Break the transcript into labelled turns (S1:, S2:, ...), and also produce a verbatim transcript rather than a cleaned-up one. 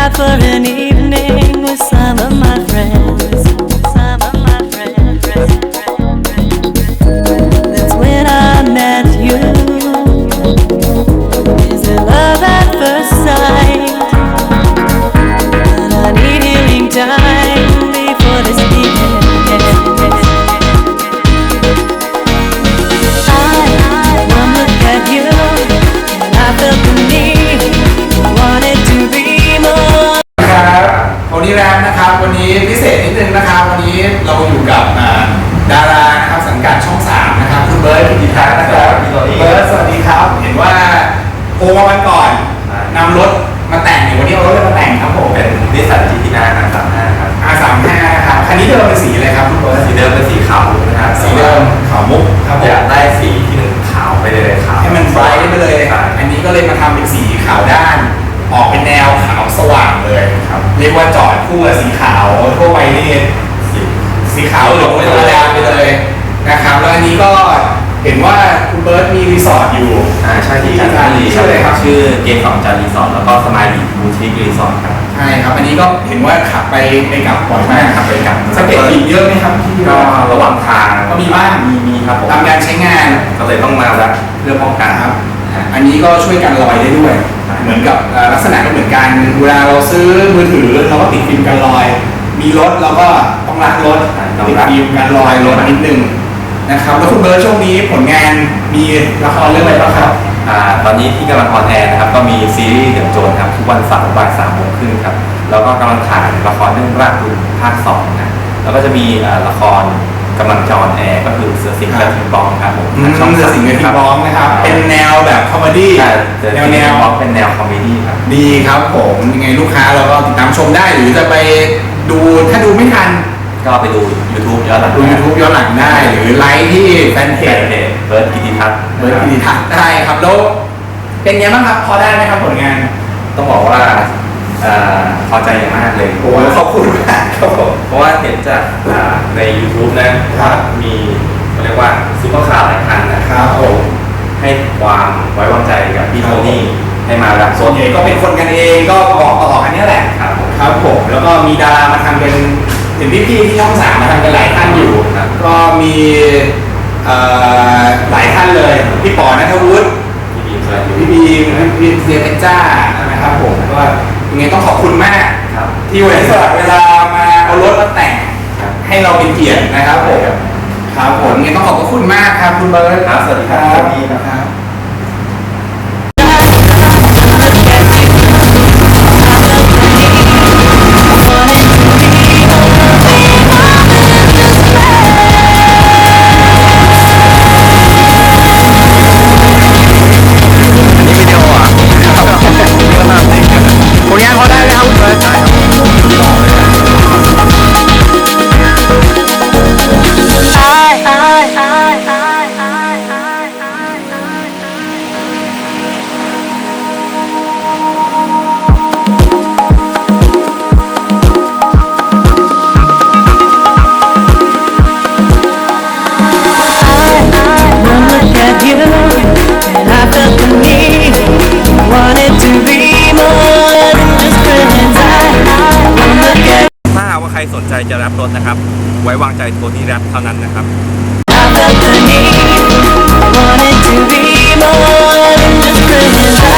S1: out for an evening with some of my friends. Some of my friends. That's when I met you. Is it love at first sight? But I need healing time before this begins. I, one look at you, and I felt the need, wanted to be more.
S2: ครับโทนี่แรมนะครับวันนี้พิเศษนิดนึงนะครับวันนี้เราอยู่กับดารานะครับสังกัดช่องสามนะครับคุณเบิร์ตกิติทัศน์นะครับเบิร์ตสวัสดีครับเห็นว่าโทรมาวันก่อนนำรถมาแต่งอยู่วันนี้เอารถมาแต่งครับผมเป็นนิสสันจีทีน่าอาร์สามห้าครับ อาร์ สามห้า ครับคันนี้เดิมเป็นสีอะไรครับคุณเบิร์ตสีเดิมเป็นสีขาวนะครับสีเดิมขาวมุกครับอยากได้สีที่มันขาวไปเลยขาวให้มันไบรท์ไปเลยอันนี้ก็เลยมาทำเป็นสีขาวด้านออกเป็นแนวขาวสว่างเลยครับเรียกว่าจอดคู่กับสีขาวทั่วไปนี่สีขาวเหลืองธรรมดาไปเลยนะครับแล้วอันนี้ก็เห็นว่าคุณเบิร์ตมีรีสอร์ทอยู่อ่าใช่ที่จันทบุรีชื่ออะไรครับชื่อเกมของจันรีสอร์ทแล้วก็สมายบีบูทิกรีสอร์ทครับใช่ครับอันนี้ก็เห็นว่าขับไปไปกลับบ่อยมากขับไปกลับสเก็ตอีกเยอะไหมครับก็ระหว่างทางก็มีบ้างมีมีครับผมตามการใช้งานก็เลยต้องมาแล้วเพื่อป้องกันครับอันนี้ก็ช่วยกันรอยได้ด้วยเหมือนกับลักษณะก็เหมือนกันเวลาเราซื้อมือถือเราก็ติดฟิล์มกันรอยมีรถเราก็ต้องรักรถติดฟิล์มกันรอยรถนิดนึงนะครับแล้วคุณเบิร์ตช่วงนี้ผลงานมีละครเรื่องอะไรบ้างครับอ่าตอนนี้ที่กำลังออนแอร์นะครับก็มีซีรีส์เดือดโจรครับทุกวันเสาร์บ่ายสามโมงครึ่งครับแล้วก็กำลังถ่ายละครเรื่องรากบุญภาคสองนะแล้วก็จะมีละครกำลังจะออนแอร์ก็คือเสือสิงห์กระทิงบองครับผมช่องเสือสิงห์กระทิงบองนะครับเป็นแนวแบบคอมเมดี้แนวแนวเป็นแนวคอมเมดี้ครับดีครับผมยังไงลูกค้าเราก็ติดตามชมได้หรือจะไปดูถ้าดูไม่ทันก็ไปดู YouTube ย้อนหลังดู YouTube ย้อนหลังได้หรือไลค์ที่แฟนเพจเบิร์ตกิติทัศน์เบิร์ตกิติทัศน์ได้ครับแล้วเป็นไงบ้างครับพอได้ไหมครับผลงานต้องบอกว่าพอใจอย่างมากเลยโอ้ขอบคุณมากครับผมเพราะว่าเห็นจากใน YouTube นะครับมีเรียกว่าซุปเปอร์คาร์หลายคันนะครับผมให้ความไว้วางใจกับพี่โทนี่ให้มารับส่วนใหญ่ก็เป็นคนกันเองก็บอกต่อกันนี้แหละครับครับผมแล้วก็มีดารามาทำเป็นเห็นพี่ๆที่ช่องสามมาทำกันหลายท่านอยู่ก็มีหลายท่านเลยพี่ป๋อณัฐวุฒิพี่บีมพี่เซียเพชรจ้านะครับผมก็ยังไงต้องขอบคุณมากที่วันสละเวลามาเอารถมาแต่งให้เราเป็นเกียรตินะครับผมครับผมยังไงต้องขอบคุณมากครับคุณเบิร์ตครับสวัสดีครับสวัสดีครับสนใจจะรับรถนะครับไว้วางใจโทนี่แรปเท่านั้นนะครับ